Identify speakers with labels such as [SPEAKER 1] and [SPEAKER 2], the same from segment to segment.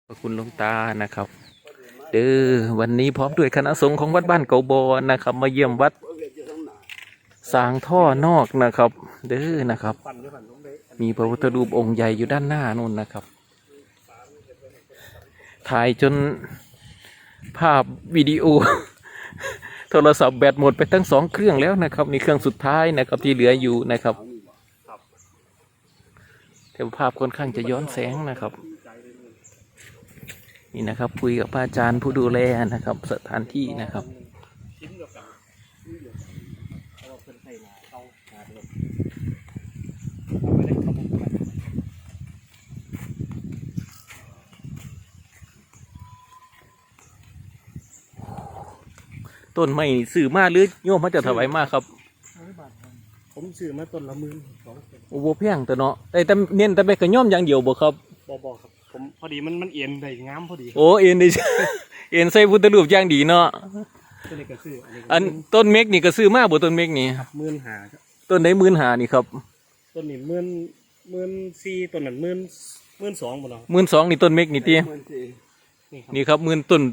[SPEAKER 1] ขอบคุณหลวงตานะครับเด้อวันนี้พร้อมด้วยคณะสงฆ์ของวัดบ้านเกาบอนะครับมาเยี่ยมวัดสางท่อนอกนะครับเด้อนะครับมีพระพุทธรูปองค์ใหญ่อยู่ด้านหน้านู่นนะครับถ่ายจนภาพวิดีโอ โทรศัพท์แบตหมดไปทั้ง2 เครื่องแล้วนะครับนี่เครื่องสุดท้ายนะครับที่เหลืออยู่นะครับแต่ภาพค่อนข้างจะย้อนแสงนะครับนี่นะครับคุยกับพระอาจารย์ผู้ดูแลนะครับสถานที่นะครับต้นไม้ซื้อมาหรือโยมเขาจะถวายมาครับ
[SPEAKER 2] ผมซื้อมาต้นละ12,000
[SPEAKER 1] โอ้โหแพงแต่เนาะแต่เน้นแต่ไปกระย่อมอย่างเดียวบ่ครับ
[SPEAKER 2] บ่ครับผมพอดีมันเอ็นได้งามพอดี
[SPEAKER 1] โอ้เอ็นได้ เอ็นใส่พุทธรูปอย่างดีเนาะ
[SPEAKER 2] ต้นนี้ก็ซื้อ
[SPEAKER 1] อันต้นเมกนี่ก็ซื้อมาบ่ต้นเมกนี่
[SPEAKER 2] ครับ15,000ครับ
[SPEAKER 1] ต้นไหน15,000นี่ครับ
[SPEAKER 2] ต้นนี้14,000ต้นนั้น12,000บ่เนาะ
[SPEAKER 1] 12,000นี่ต้นเมกนี่ตินี่ครับ10,000ต้น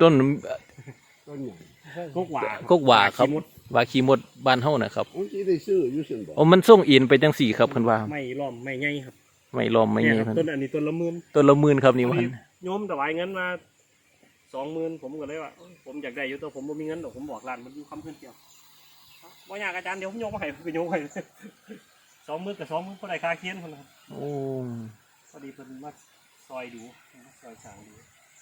[SPEAKER 2] กกหว่า
[SPEAKER 1] ครับว่าขี้มดบ้านเฮานะครับ
[SPEAKER 3] ผมสิได้ซื้ออยู่ซั่นบ่
[SPEAKER 1] โอ้มันส่งเอ็นไปจังสี่ครับเพิ่นว่า
[SPEAKER 2] ไม่ล้อมไม่ใหญ่ครับ
[SPEAKER 1] ไม่ล้อมไม่ใหญ่
[SPEAKER 2] ต้นอันนี้ต้นละ10,000
[SPEAKER 1] ต้นละ10,000ครับนี่ว่า
[SPEAKER 2] โยมถวายเงินมา20,000ผมก็เลยว่าผมอยากได้อยู่แต่ผมบ่มีเงินดอกผมบอกร้านมันอยู่คำเพิ่นเกี่ยวบ่ยากอาจารย์เดี๋ยวผมโยมมาให้ไปโยมให้20,000กับ20,000บ่ได้ค่าเคียนพุ่นนะครับ
[SPEAKER 1] โอ้
[SPEAKER 2] พอดีเพิ่นมาซอยดูซอยสร้างดู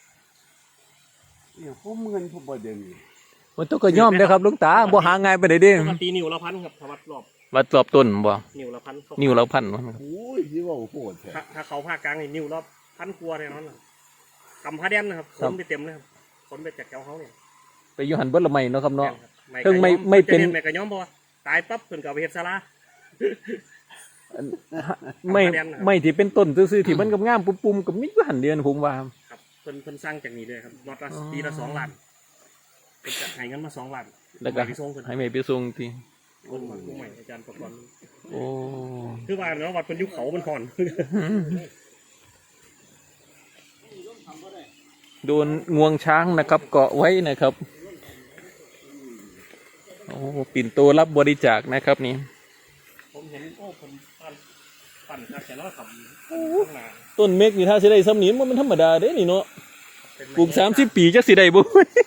[SPEAKER 3] เนี่ยผมเงินผมบ่ได้มี
[SPEAKER 1] มันต้องก็ย่อมเด้อครับหลวงตาบ่หาง่ายไปได้เด้
[SPEAKER 2] ปกตินิ้วละ1,000ครับถ้าวัดรอบ
[SPEAKER 1] ต้นบ่
[SPEAKER 2] นิ้วละ1,000
[SPEAKER 1] นิ้วละ1,000
[SPEAKER 3] โอ้ยสิว่าโหดแท้
[SPEAKER 2] ถ้าเขาภาคกลางนี่นิ้วละ1,000กว่าแน่นอนน่ะกำผ้าแดนนะครับขนไปเต็มเลยครับขนไปจากเจ้าเขาเนี่ย
[SPEAKER 1] ไปอยู่หั่นเบิดละไม้เนาะครับเนาะ
[SPEAKER 2] ถึง
[SPEAKER 1] ไม่เป็น
[SPEAKER 2] แม่ก็ยอมบ่ตายปั๊บเพิ่นก็เอาไปเฮ็ดศาลา
[SPEAKER 1] ไม่ที่เป็นต้นซื่อๆที่มันงามๆปุ่มๆก็มีอยู่หั่นเดียวผมว่า
[SPEAKER 2] ครับเพิ่นสร้างจากนี้เลยครับรถละปีละ2 ล้านเพิ่นจะให้เงินมา2 ล้าน
[SPEAKER 1] แล้วก็ให้แม่ไปส่งที
[SPEAKER 2] คนใหม่อาจารย์ประกรณ์
[SPEAKER 1] โอ้
[SPEAKER 2] คือว่าเนาะวัดเพิ่นอยู่เขามันห่อน
[SPEAKER 1] โดนงวงช้างนะครับเกาะไว้นะครับโอ้ปิ่นโตรับบริจาคนะครับนี่
[SPEAKER 2] ผมเห็นโอ้ผมปั่นแต่ละค
[SPEAKER 1] ำต้นเมกนี่ถ้าสิได้ซ้ำนี้มันธรรมดาเด้นี่เนาะปลูก30 ปีจะสิได้บ่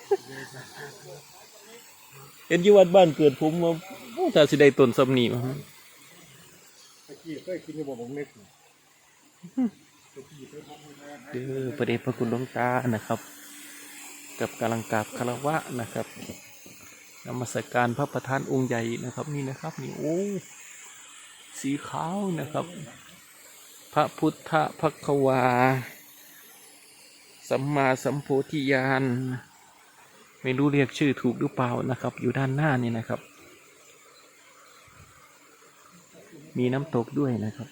[SPEAKER 1] เห็นอยู่วัดบ้านเกิดผมมาถ้าสิได้ต้นซ้ำนี้มา
[SPEAKER 2] เคยกินอยู่บ่เมก
[SPEAKER 1] พระเดชพระคุณหลวงตานะครับกับกำลังกราบคารวะนะครับนมัสการพระประธานองค์ใหญ่นะครับนี่นะครับนี่โอ้สีขาวนะครับพระพุทธภควาสัมมาสัมโพธิญาณไม่รู้เรียกชื่อถูกหรือเปล่านะครับอยู่ด้านหน้านี่นะครับมีน้ำตกด้วยนะครับ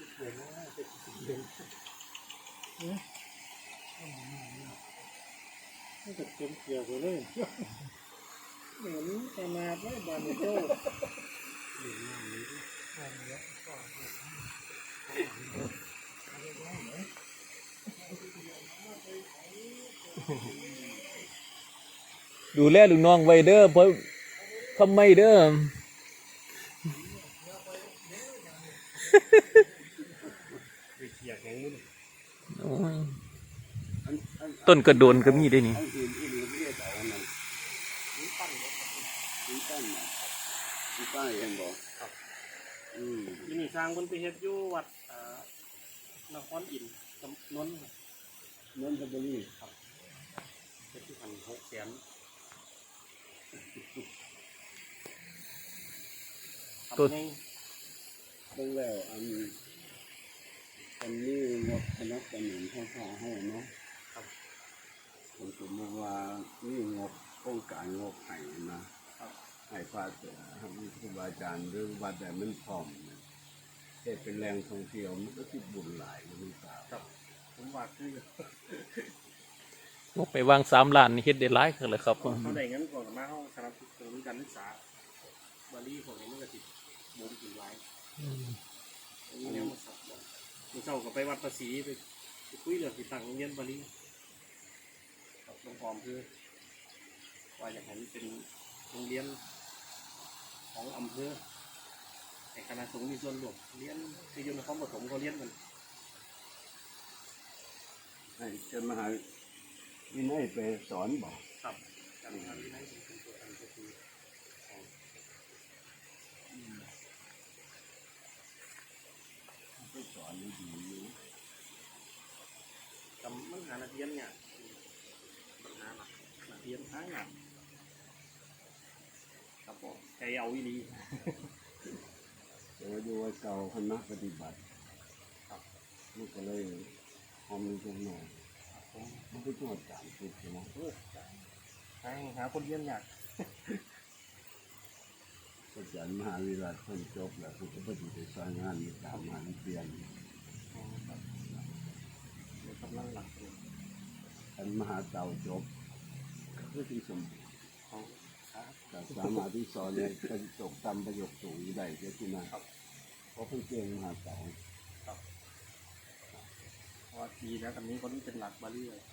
[SPEAKER 2] ก็เต็มเกี่ยวเลยเหมือนขนาดไม่บานโต้
[SPEAKER 1] ดูแลลูกน้องไว้เด้อเพราะทำไมเด้อต้นกระโดนก็มีได้นี่
[SPEAKER 3] ป้ายเห็นบ่
[SPEAKER 2] ที่นี่สร้างบนไปเฮ็ดอยู่วัดนครอินทร์นนทบุรีครับเฮ็ดที่ทาง600,000
[SPEAKER 1] ต้น
[SPEAKER 3] เบิ่งแล้วอันนี้งบคณะกรรมการให้เนาะครับผมสมมติว่านี่งบโครงการงบให้นะให้พระครูบาอาจารย์หรือวัดแต่มันพร้อมแต่เป็นแรงท่องเที่ยวมันก็ติดบุญหลายมันตา
[SPEAKER 2] ครับผมว่าคื
[SPEAKER 1] องบไปวาง3 ล้านนี่เฮ็ดได้หลายคือเลยครับ
[SPEAKER 2] เขาได้เงินก่อนมาเฮาสนับสนุนการศึกษาบาลีพวกนี้มันก็สิบ่มถึงหลายนี่แนวมาสับบ่เจ้าก็ไปวัดภาษีไปคุยเรื่องที่ตั้งโรงเรียนบาลีลงฟอร์มคือว่าอยากให้มันเป็นโรงเรียนของอำเภอแต่คณะสงฆ์มีส่วนร่วมเรียนที่อยู่ในความผสมเขาเรียนกัน
[SPEAKER 3] ให้เจ้ามหาวินัยไปสอนบอก
[SPEAKER 2] ครับการทำที่นั่นเป็นตัวอันก็คือ
[SPEAKER 3] ไปสอนดีอยู่
[SPEAKER 2] กำมันหานักเรียนเนี่ยปัญหาหลักนักเรียนหางานครับผมใจเอาอีดี
[SPEAKER 3] แต่ว่าอยู่ว่าเก่าคณะปฏิบัติครับมันก็เลยหอมจังหน่อยมันก็ต้องจานติดนะ
[SPEAKER 2] หาคนเรียนยาก
[SPEAKER 3] อาจารย์มหาวิรัตเพิ่นจบแล้วเพิ่นก็บ่ได้ไปสอนงานตามงานเปลี่ยน
[SPEAKER 2] กำลังหลักเลย
[SPEAKER 3] อันมหาเต่าจบก็ที่สมบูรณ์
[SPEAKER 2] ของครับ
[SPEAKER 3] แต่สามารถที่สอนเนี่ยเป็นจบตามประโยคสูงได้ก็ที่นั่นเพราะเพิ่นเก่งมหาเต่า
[SPEAKER 2] พอทีแล้วกันนี้คนนี้เป็นหลักบาลีเลย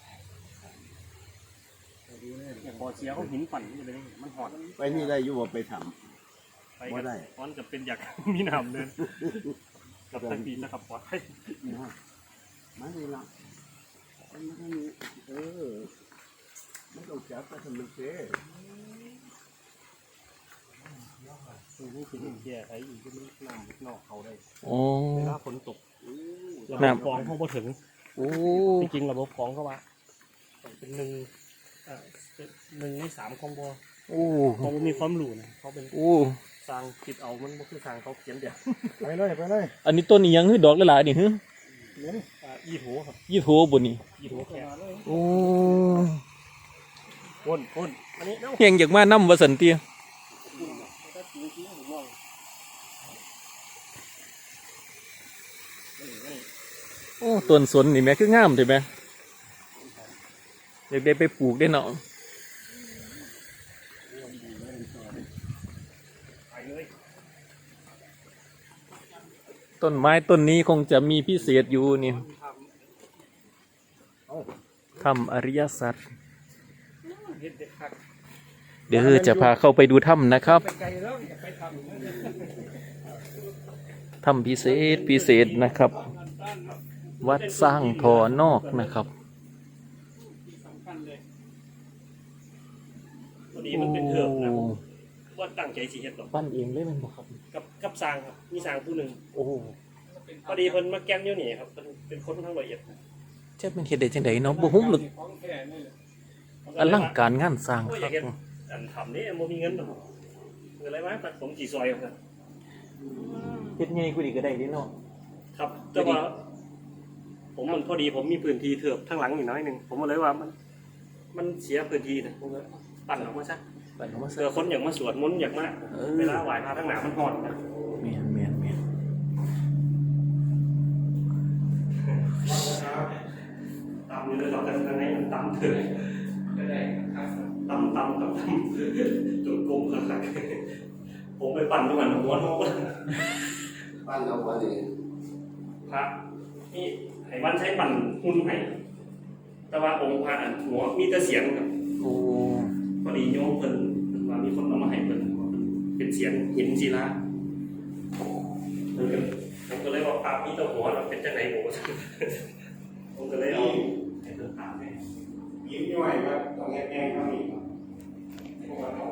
[SPEAKER 2] อย่างพอเชียร์เขาหินปั่นนี่เลยมันหอด
[SPEAKER 3] ไปนี่ได้อยู่ว่าไปท
[SPEAKER 2] ไปกันเพราะจะเป็นอยาก มีน้ำเดินกับตะปีนะครับปลอดภัย
[SPEAKER 3] ำนะมาดีละมันไม่ได้ไม่ต้องจับก็ทำมันเซ่
[SPEAKER 2] นี่คือแก่ไอ้อยู่ที่มันน้ำนอกเขาได้
[SPEAKER 1] โอ้
[SPEAKER 2] เวลาฝนตกระบบ
[SPEAKER 1] น้ำ
[SPEAKER 2] กรองเขาบ่ถึง
[SPEAKER 1] โอ้
[SPEAKER 2] จริงๆระบบกรองเขาว่าเป็น1/3ของบ่
[SPEAKER 1] โอ้
[SPEAKER 2] เขามีความรู้นะเขาเป็น
[SPEAKER 1] โอ้
[SPEAKER 2] สร้างคิดเอามันบ่คือสร้างเขาเขียนเดียว
[SPEAKER 3] ไปเลย
[SPEAKER 1] อันนี้ต้นอีหยังคือดอกหลายๆนี่ฮึ
[SPEAKER 2] อีโถครับ
[SPEAKER 1] ยี่โถบ่นี่
[SPEAKER 2] อีโถแค่
[SPEAKER 1] โอ้
[SPEAKER 2] คนอันนี้เนาะ
[SPEAKER 1] เฮียงอยากมานำว่าสันติโอ้ต้นสนนี่แม่คืองามใช่ไหมอยากได้ไปปลูกได้เนาะ
[SPEAKER 2] ไปเลย
[SPEAKER 1] ต้นไม้ต้นนี้คงจะมีพิเศษอยู่นี่ถ้ำอริยสัจ
[SPEAKER 2] เฮ็ดเด็ดคัก
[SPEAKER 1] เดี๋ยวจะพาเข้าไปดูถ้ำนะครับ
[SPEAKER 2] ไปไกลแล้วอย่าไปทำ
[SPEAKER 1] ถ้ำพิเศษนะครับ วัดสร้างทอนอกนะครับ
[SPEAKER 2] พอดีมันเป็นเถื่อนนะว่าตั้งใจสิเฮ็ดดอก
[SPEAKER 1] ปั้นเองเลยมันบอกครับ
[SPEAKER 2] กับสร้างครับมีสร้างผู้หนึ่ง
[SPEAKER 1] โอ้
[SPEAKER 2] พอดีเพิ่นมาแก้มอยู่นี่ครับเป็นคนทั้งละเอียด
[SPEAKER 1] เจ็บมันเฮ็ดได้จังไดเนาะบ่ฮู้หลึกอลังการงานสร้าง
[SPEAKER 2] โอ้ย
[SPEAKER 1] ค
[SPEAKER 2] อ
[SPEAKER 1] รั
[SPEAKER 2] ยา
[SPEAKER 1] บ
[SPEAKER 2] กเฮ็ดอันทำนี่บ่มีเงินดอกเงินอะไรมาตัดผมกี่ซอยครับ
[SPEAKER 1] เฮ็ดใหญ่กว่านี้ก็ได้เด้เนาะ
[SPEAKER 2] ครับแต่ว่าผมมันพอดีผมมีพื้นที่เถือบทั้งหลังอยู่น้อยหนึงผมก็เลยว่ามันเสียพื้นที่นะผมก็ปั่นออกมาซะ
[SPEAKER 1] ปั้นออกมา
[SPEAKER 2] เสือคนอยากมาสวดมนต์อยากมาเวลาไหว้พระทั้งหนามันหอนนะ
[SPEAKER 1] แม่น
[SPEAKER 2] ตำอยู่ในตอนนั้นข้างในมันตำเถื่อนตำกับตำจนกลมขนาดผมไปปั่นทุกวันหัวโน้ต
[SPEAKER 3] บ้านเราวันนี้
[SPEAKER 2] พระนี่ไอ้วันใช้ปั่นหุ่นไห้แต่ว่าองค์พระอันหัวมีแต่เสียงครับ
[SPEAKER 1] โอ้
[SPEAKER 2] พอดีโยมเพิ่นว่ามีคนเอามาให้เพิ่นเป็นเสียงหินศิลาผมก็เลยบอกปากมีแต่หัวเราเป็นจังไหนโหผมก็เลยเอาให้เพิ่นถามให้
[SPEAKER 3] ยิ้มย่อยครับต้องแง่ๆเท่านี้ครับพวกเรา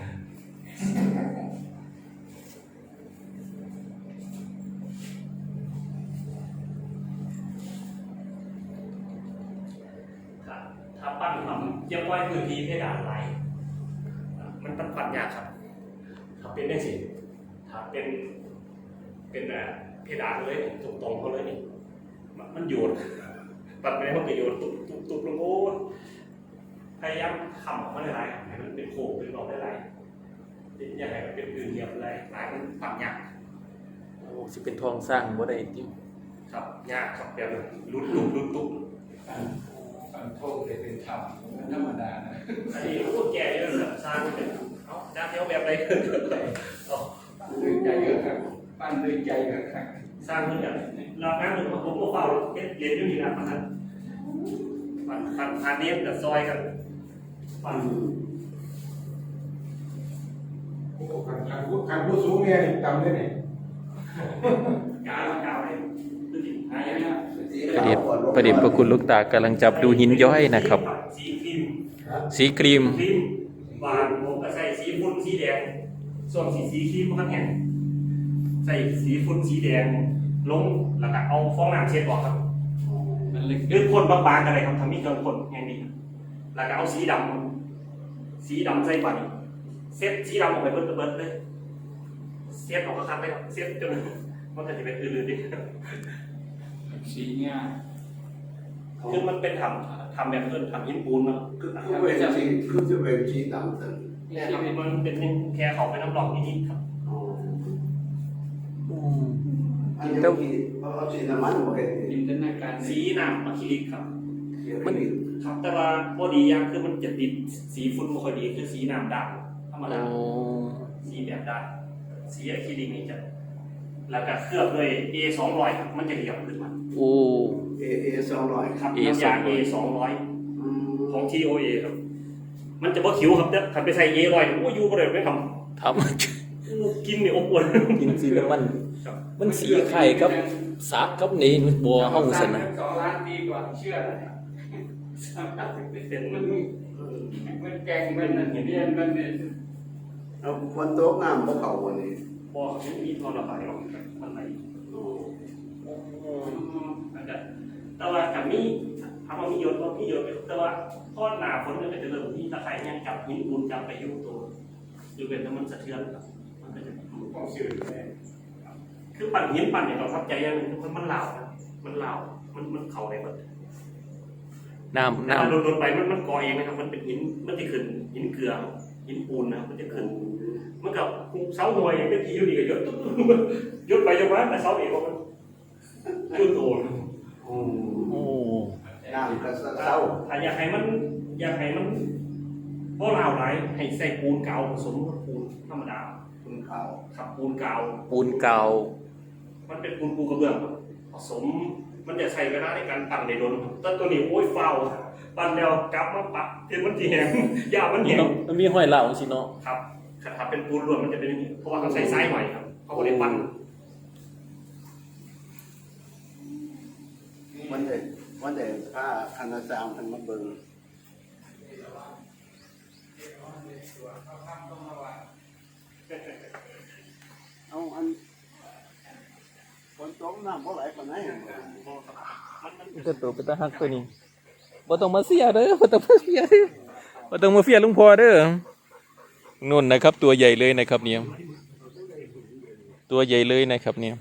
[SPEAKER 2] ถ้าปั้นทำเยียบไว้พื้นที่เพดานไรมันต้องปั้นยากครับถ้าเป็นได้สิถ้าเป็นเพดานเลยตรงๆเขาเลยนี่มันโยนปัดไปมันก็โยนตุบลงโอ้พยายามขำออกมาหลายๆให้มันเป็นโค้งเป็นรอบหลายๆอย่าให้มันเป็นพื้นเรียบหลายมันปั้นยาก
[SPEAKER 1] โอ้สิเป็นทองสร้างบ่ได้ติ
[SPEAKER 2] ครับยากครับแบบรุดตุบ
[SPEAKER 3] ฟันโทษเลยเป็นธรรมมันธรรมดานะ
[SPEAKER 2] อันนี้โอ้แก่เยอะเลยสร้างเป็นเอาด้านเดียวแบบไรเอา
[SPEAKER 3] ด้วยใจเยอะครับปั้นด้วยใจเยอะครับ
[SPEAKER 2] สร้างเพื่อนแบบเราแป๊บนึงผมก็เฝ้าเรียนอยู่นี่นะมันผ่านเนี้ยกับซอยกันปั่น
[SPEAKER 4] โอ้การพูดสูงเนี่ยต่ำเลยเนี่ย
[SPEAKER 2] กาวเลยดูดิหายาก
[SPEAKER 1] ประเดชพระคุณหลูกตากำลังจับดูหินย้อยนะครับ
[SPEAKER 2] สีครีม
[SPEAKER 1] สีครีม
[SPEAKER 2] ครีมบานผมก็ใส่สีฝุ่นสีแดงส่วนสีครีมครับเนี่ยใส่สีฝุ่นสีแดงลงแล้วก็เอาฟองน้ำเช็ดออกครับหรือพ่นบางๆกันเลยครับทำให้เครื่องพ่นอย่างนี้แล้วก็เอาสีดำใส่บัตรเซ็ตสีดำออกไปเบิดเลยเซ็ตออกคักๆเลยครับเซ็ตจนมันก็จะเป็นอื่นๆดิ
[SPEAKER 4] สีเนี่ย
[SPEAKER 2] คือมันเป็นทำแบบเพื่อนทำหินปูนเนาะ
[SPEAKER 3] คือจะเป็นชีดำตึง
[SPEAKER 2] เนี่ยครับมันเป็นแค่เขาไปน้ำหลอกนิดๆครับ
[SPEAKER 3] อันนี้ที่เอาสีน้ำมันมาเห็น
[SPEAKER 4] จินตนาการ
[SPEAKER 2] สีน้ำอะคริลิกครับ
[SPEAKER 3] มัน
[SPEAKER 2] ครับแต่ว่าพอดีอย่างคือมันจะติดสีฝุ่นไม่ค่อยดีคือสีน้ำด่างธรรมดาสีแบบด่างสีอะคริลิกนี่จะแล้วก็เคลือบด้วย A200 ครับมันจะเหลี่ยมขึ้นมา
[SPEAKER 1] โอ้
[SPEAKER 3] เอ200
[SPEAKER 2] ครับน้ำยา A200 ของ TOA ครับ มันจะบ่คิ้วครับแต่ถ้าไปใส่ A100 โอ้ยูบ่ได้ไม่ท
[SPEAKER 1] ท
[SPEAKER 2] ำกินนี่อบอวล
[SPEAKER 1] ำกินสีแล้วมันสีไข่ครับสากครับนี่มันบัวห้องสนะ
[SPEAKER 4] 2 ล้านปีกว่าเชื่อเลย
[SPEAKER 2] เป็น
[SPEAKER 4] มันแกงมันเรียนมันเนี่ย
[SPEAKER 3] เอาคนโต๊ะน้ำพวกเขาวันนี้
[SPEAKER 2] บ่มีทอนระบายออกมันไหล แต่ว่ากับมีทำเอามีโยนก็มีโยนแต่ว่าทอดหนาฝนก็จะเริ่มที่ตะไคร้ยังจับหินปูนจับไปอยู่ตัวอยู่เป็นแล้วมันสะเทือนครับมันก็จะ
[SPEAKER 4] ของชื่อเลย
[SPEAKER 2] คือปั่นหินปั่นเนี่ยเราทับใจยังมันเหลามันเหลามันเข่าในมัน
[SPEAKER 1] น้ำ
[SPEAKER 2] ถ้า
[SPEAKER 1] น้ำ
[SPEAKER 2] โดนไปมันก่อเองนะครับมันเป็นหินมันจะขึ้นหินเกลือหินปูนนะครับมันจะขึ้นมันกับเสาหน่วยเป็นทีอยู่ดีก็ยศยศไปจนว่าแต่เสาเอกมันขึ้นโต
[SPEAKER 1] โอ้
[SPEAKER 3] น้ำก็เศร้า
[SPEAKER 2] ถ้าอยากให้มันเพราะเราไหลให้ใส่ปูนเก่าผสมกับปูนธรรมดา
[SPEAKER 3] คุณเขา
[SPEAKER 2] ขับปูนเก่า
[SPEAKER 1] ปูนเก่า
[SPEAKER 2] มันเป็นปูนปูกระเบื้องครับผสมมันจะใช้เวลาในการปั่นในโดนแต่ตัวนี้โอ้ยเฝ้าปั่นแล้วกลับมาปัดเทียนมันจีแหงยามันแหง
[SPEAKER 1] มันมีห้อยเหล่าสิเนาะ
[SPEAKER 2] ครับถ้าเป็นปูนล้วนมันจะเป็นอย่างนี้เพราะว่าเขาใส่ทรายใหม่ครับเขาก็เลยปั่น
[SPEAKER 3] วันเด็กผ้าคันธสามคันมาเบิ่งเอาอันคนโต๊ะน้ำเพราะไหลคนไหน
[SPEAKER 1] มันจะตัวเป็นตาฮักตัวนี้บ่ต้องมาเสียเด้อบ่ต้องมาเสียเด้อบ่ต้องมาเสียลุงพ่อเด้อนุ่นนะครับ ตัวใหญ่เลยนะครับเนี่ยตัวใหญ่เลยนะครับเนี่ย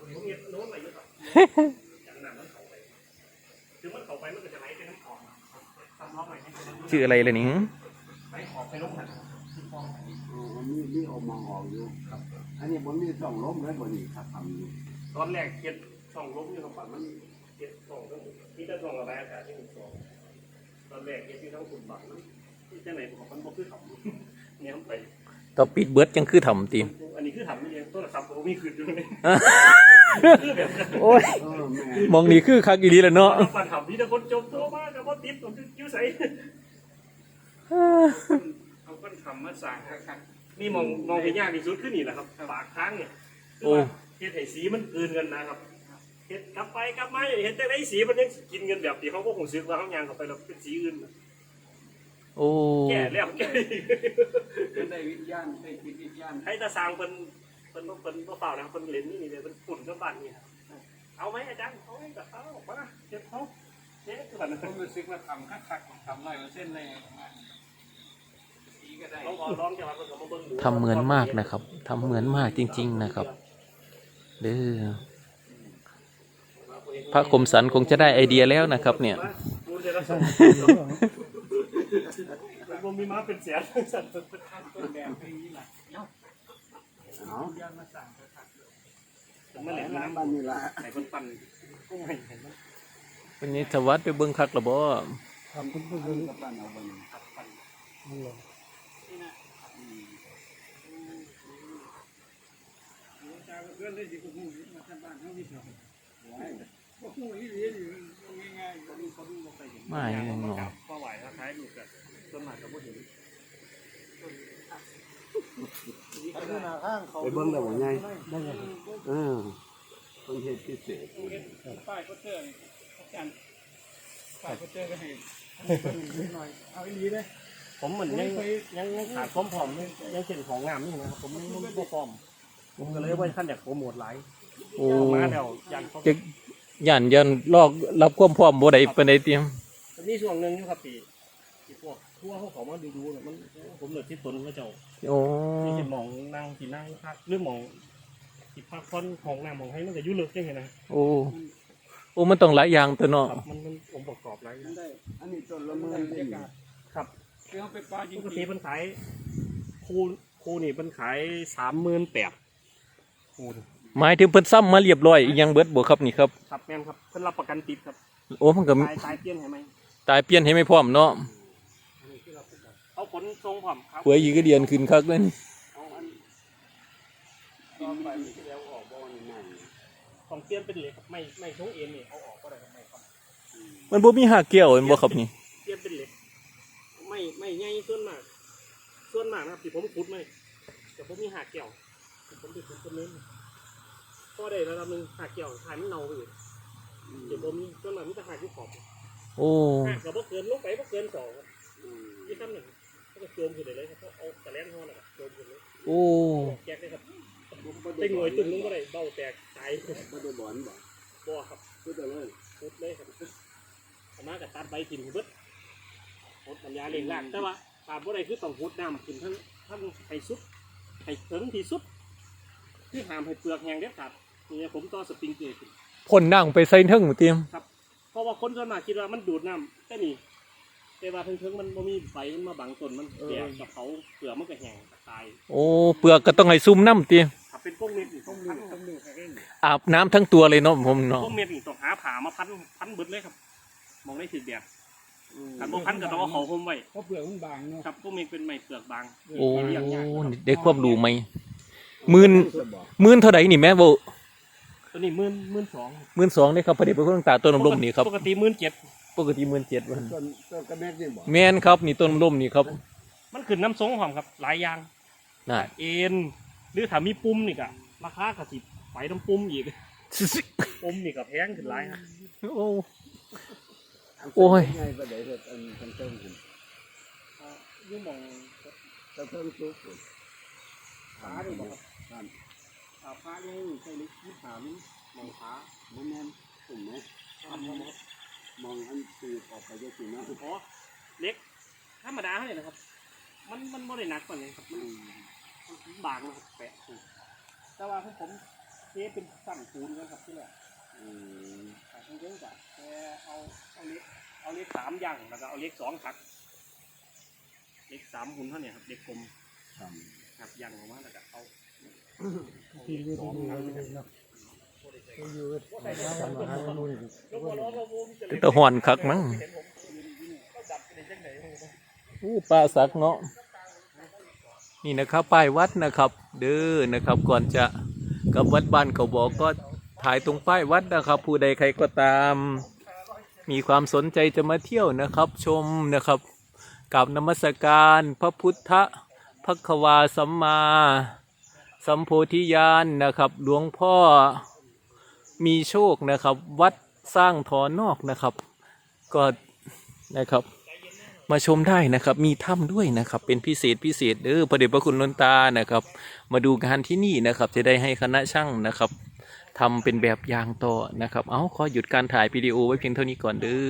[SPEAKER 2] คือมันเข้าไปมันก็จะไหลไปน้ำออกทำล็อกใหม่ให้เป็น
[SPEAKER 1] ชื่ออะไรเลยนี่
[SPEAKER 2] ไหลออกไปลงหัน
[SPEAKER 3] มีออกมาออกอยู่ครับ อันนี้ผมมีสองล้มเลยบนนี้ครับทำอยู่
[SPEAKER 2] ตอนแรกเก็บช่องล้มอยู่ตรงฝั่งมันเก็บช่องตรงที่จะช่องระบายอากาศที่หนึ่งสองตอนแรกเก็บที่ทั้งฝุ่นบังที่เจ้าไหนของมันบ่คือเขาเนี่ยมันไป
[SPEAKER 1] ต่อปิดเบิดจังคือทำตี
[SPEAKER 2] อันนี้คือทำนี่เองต้นครับผมมีคืนอยู่เลย
[SPEAKER 1] โอ้ย
[SPEAKER 3] แม่
[SPEAKER 1] มองนี่คือคักอีหลีแหละเนาะ
[SPEAKER 2] ปัญหาที่แต่คนจมโตมากแต่ว่าติดผมคือกิ้วใส
[SPEAKER 4] เอาคนทำมาสั่งครับ
[SPEAKER 2] นี่มองไปยากที่สุดขึ้นนี่แหละครับปากค้างเนี่ยคือ
[SPEAKER 1] โอ้
[SPEAKER 2] ว่าเฮ็ดให้สีมันกลืนกันนะครับเฮ็ดกลับไปกลับมาเห็นแต่ไอ้สีมันยังกินกันแบบที่เขาก็คงซื้อว่าเขายางเข้าไปแล้วเป็นสีอื่น
[SPEAKER 1] โอ้
[SPEAKER 2] แก่แล้วแก่อีก
[SPEAKER 4] เป็นได้วิญญาณได้จิตวิญญาณ
[SPEAKER 2] ให้ตาสร้างเพิ่นบ่เปล่านะเพิ่นเล่นนี่เลยเพิ่นฝุ่นกับบ้านนี่เอาไหมอาจารย์เอาไหมก็เอาออกมาเก็บเขาเจ๊คือแบบนั้น
[SPEAKER 4] ผมรู้สึกว่าทำคักๆทำ100%เลยสีก็ได้
[SPEAKER 2] ลองจะมาเพิ่นก็มาเบิ่งดู
[SPEAKER 1] ทำเหมือนมากนะครับทำเหมือนมากจริง ๆนะครับเด้อพระคมสันคงจะได้ไอเดียแล้วนะครับ เนี่ย
[SPEAKER 2] ดูเดี๋ยวเราส่งผมมีม้าเป็นแสนสัตว์
[SPEAKER 4] ต้นแบบนี้แหละ
[SPEAKER 3] เอา
[SPEAKER 4] ย่านมาสั่งคัก
[SPEAKER 2] ผมมาเล่น
[SPEAKER 3] น้ำ
[SPEAKER 2] น้ำ
[SPEAKER 3] บ้านนี่ละ
[SPEAKER 2] ไหนคนปั่นกุ้งให้เห็นไหม
[SPEAKER 1] วันนี้ทวัดไปเบิ่งคักละบ่
[SPEAKER 3] ทำคุณผู้ชมกับบ้านเอาบ้าน
[SPEAKER 2] ครับปั่น
[SPEAKER 4] นี่นะจาเพื่อนได้ดีกว่าหูมาทำบ้านเขาที่สองก็หูที่เรียนอยู่ง่ายๆก็ดูเขาดูมาไปเห็น
[SPEAKER 1] ไม่ยังเนาะ
[SPEAKER 2] ก็ไหวคล้ายๆดูกันส่วนมากก็บ่เห็น
[SPEAKER 4] อันนี้หน้าข้างเขา
[SPEAKER 3] ไปเบิ่งแล้วบ่ใหญ่คนเฮ็ดพิเศษ
[SPEAKER 4] ป้ายก็เจออาจารย์ป้ายก็เจอกันให้นิดหน่อยเอาอีหลีเลย
[SPEAKER 2] ผมเหมือนยังขาดความพร้อมยังเช่นของงามนี่นะครับผมยังบ่พร้อมผมก็เลยว่าขั้นอยากโปรโมทหลาย
[SPEAKER 1] โอ้
[SPEAKER 2] มาแล้วยันเขา
[SPEAKER 1] จะยันลอกรับความพร้อมบ่ได้ปานใดเตรียม
[SPEAKER 2] มีช่วงหนึงอยู่ครับที่พวกทั่วเขามาดูเนี่ยมันผมเหลือที่ตนก็เจ้า
[SPEAKER 1] โอ้
[SPEAKER 2] ที่จะมองนั่งที่นั่งพักหรือมองที่พักผ่อนของน้ำของให้มันก็ยุ่งลึกจังไงนะ
[SPEAKER 1] โอ้โอ้มันต้องหลายอย่างตัวเนาะ
[SPEAKER 2] ครับมันองค์ประกอบหลายอย่าง
[SPEAKER 4] ได้
[SPEAKER 3] อันนี้ต้นละเมินนี่
[SPEAKER 2] ครับ
[SPEAKER 4] คือเขาไปปลาจริ
[SPEAKER 2] ป
[SPEAKER 4] ง
[SPEAKER 2] กติมันขายคูนี่มันขาย38,000คูนี่
[SPEAKER 1] หมายถึงเพิ่นซ้ำมาเรียบร้อยอีหยังเบิดบ่ครับนี่ครับ
[SPEAKER 2] ครับแม่นครับเพิ่นรับประกันติดครับ
[SPEAKER 1] โอ้มันก็
[SPEAKER 2] ตายเปลี่ยนให้ไหม
[SPEAKER 1] ตายเปลี่ยนให้ไม่พร้อมเนาะ
[SPEAKER 2] เอาขนทรงผมครับ
[SPEAKER 1] หวยอีกก็เดียนขึ้นคักเลยนี่
[SPEAKER 3] เอาอันต่อไปมันจะแล้วออกบ่นี่นั่น
[SPEAKER 2] ของเปลี่ยนเป็นเหล็กครับไม่ทรงเอ็นนี่เอาออกก็ได้ครับไม่ครับ
[SPEAKER 1] มันบ่มีหากแก้วเห็นบ่ครับนี่
[SPEAKER 2] เปลี่ยนเป็นเหล็กไม่ใหญ่ส่วนมากนะครับที่ผมขุดไม่แต่ผมมีหากแก้วผมไปขุดต้นนี้ก็ได้ระดับหนึ่งหากแก้วถ่ายมันเน่าไปอยู่เดี๋ยวผมส่วนมากมีแต่หากที่ขอบ
[SPEAKER 1] โอ้
[SPEAKER 2] หากกับพวกเกินลงไปพวกเกิน2ครับที่ขั้นหนึ่งก็โจมขึ้นเลยครับเอาตะแลนห่อนะครับโจมขึ้นเลย
[SPEAKER 1] โอ้
[SPEAKER 2] แจกเลยครับเป็นหน่วยตึ้งนึงก็ได้เบ้าแตกตาย
[SPEAKER 3] บ่ได้บ่อนบ่
[SPEAKER 2] บ่ครับ
[SPEAKER 3] คือแต่เลย
[SPEAKER 2] พุดเลยครับเอามากับตัดใบกินเบิดหดปัญญาเลี้ยงล่างแต่ว่าขาดบ่ได้คือต้องหดน้ำขึ้นทั้งให้สุดให้ถึงที่สุดคือห้ามให้เปลือกแห้งเด็ดขาดนี่ผมต่อสปริงเกอร์ขึ้น
[SPEAKER 1] พ่นนั่งไปใส่เทิงเตรียม
[SPEAKER 2] เพราะว่าคนส่วนมากคิดว่ามันดูดน้ำแต่นี่แต่ว่าถึงมันบ่มีใบมันมาบังต้นมันแดดกับเขาเปลือกมันก็แห้งตาย
[SPEAKER 1] โอ้เปลือกก็ต้องให้ซุ่มน้ำเตรียม
[SPEAKER 2] ถ้าเป็นพวกเม็ดนี่ต้องพันครับ
[SPEAKER 1] อาบน้ำทั้งตัวเลยเนาะผมเนาะ
[SPEAKER 2] พวกเม็ดนี่ต้องหาผ่ามาพันเบิดเลยครับมองได้ถึงแดดถ้าบ่พันก็ต้องเอาเขาห่มไว้
[SPEAKER 4] เพราะเปลือกมันบางเนาะ
[SPEAKER 2] ครับพวกเม็ดเป็นไม้เปลือกบาง
[SPEAKER 1] โอ้ได้ความรู้ไหมหมื่นเท่าใดนี่แม่บ่
[SPEAKER 2] ตัวนี้12,000
[SPEAKER 1] 12,000ได้ครับพอดีเป็นคนตาต้นลมนี่ครับ
[SPEAKER 2] ปกติ17,000
[SPEAKER 1] ปกติ17,000วัน
[SPEAKER 3] ต้นกระแมกนี่บ่
[SPEAKER 1] แม่นครับนี่ต้นลมนี่ครับ
[SPEAKER 2] มันขึ้นน้ำทรงหอมครับหลายอย่าง
[SPEAKER 1] น่ะ
[SPEAKER 2] เอ็นหรือถ้ามีปุ่มนี่ก็ราคาก็สิไปน้ำปุ่มอีกปุ่มนี่ก็แพงขึ้นหลายครับ
[SPEAKER 1] โอ้ โอ้ย
[SPEAKER 3] ไงบ่ได้เฮ็ดอันทั้งเทิงขึ้น
[SPEAKER 2] อยู่หมอง
[SPEAKER 3] ทั้งเทิงสุกขึ้น
[SPEAKER 2] ขานี่บ่ครับ
[SPEAKER 3] ท่าน
[SPEAKER 2] พระนี่ใช่ลึก25มิลหมองขา
[SPEAKER 3] บ่แม่นขึ้นไหม
[SPEAKER 2] ครับผมครับ
[SPEAKER 3] มองอันตีออกไปจังซี่นะ
[SPEAKER 2] อ๋อเล็กธรรมดาเนี่ยนะครับ มันบ่ได้หนักกว่านี้ครับมันบางนะครับแปะถูกแต่ว่าผมเทเป็นสั่นปูนนะครับที่แรก
[SPEAKER 3] อืม
[SPEAKER 2] แต่ทั้งเรื่องกับแค่เอาเล็ก3อย่างแล้วก็เอาเล็ก2หักเล็ก3หุ่นเท่านี้ครับเล็กกลม
[SPEAKER 3] ครับ
[SPEAKER 2] หักอย่างออกมาแล้วก็เอา
[SPEAKER 4] ที่อยู่ตรงนี้เนาะอยู่ทำอาหารนู่น
[SPEAKER 1] เป็นตะหอนคักมั้งอู้ปลาสักเนาะนี่นะครับป้ายวัดนะครับ เด้อนะครับ ก่อนจะกับวัดบ้านเขาบอกก็ถ่ายตรงป้ายวัดนะครับ ผู้ใดใครก็ตาม มีความสนใจจะมาเที่ยวนะครับ ชมนะครับกับนมัสการพระพุทธภควาสัมมาสัมโพธิญาณนะครับ หลวงพ่อมีโชคนะครับ วัดสร้างถอนนอกนะครับ ก็นะครับมาชมได้นะครับ มีถ้ำด้วยนะครับ เป็นพิเศษเด้อพระเดชพระคุณหลวงตานะครับ มาดูงานที่นี่นะครับ จะได้ให้คณะช่างนะครับทำเป็นแบบอย่างต่อนะครับเอาขอหยุดการถ่ายวิดีโอไว้เพียงเท่านี้ก่อนเด้อ